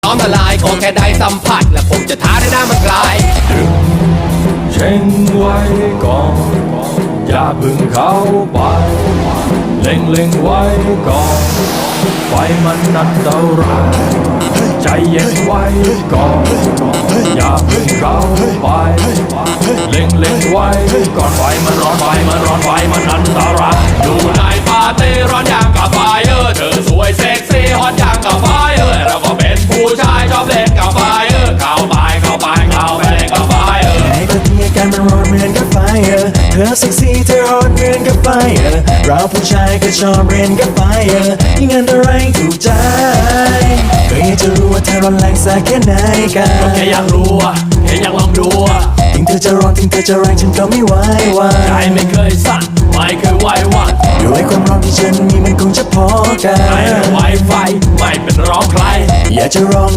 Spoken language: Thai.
น้อมละลายขอแค่ได้สัมผัสและผมจะท้าได้หน้ามันกลายเช่งไว้ก่อนอย่าเพึ่งเข้าไปเล็งไว้ก่อนไฟมันอันตรายใจเย็นไว้ก่อนอย่าเพึ่งเข้าไปเล็งไว้ก่อนไฟมันร้อนไฟมันอันตรายอยู่ในปาร์ตี้ร้อนอย่างกับไฟเธอสวยเซ็กซี่ฮอตอย่างกับไฟเราก็เป็นผู้ชายชอบเล่นกับไฟเข้าไปเล่นกับไฟให้เธอมีอาการมันร้อนเหมือนกับไฟเธอเซ็กซี่เธอฮอตเหมือนกับไฟเราผู้ชายก็ชอบเรียนกับไฟยิ่งอันตรายถูกใจก็อยากจะรู้ว่าเธอร้อนแรงสักแค่ไหนกันก็แค่อยากรู้แค่อยากลองดูถึงเธอจะร้อนถึงเธอจะแรงฉันก็ไม่ไหวใจไม่เคยสั่นไม่เคยไหวหวั่นด้วยความร้อนที่ฉันมีมันคงจะพอกันไม่ไหวไฟไม่เป็นร้องใครอยากจะร้อง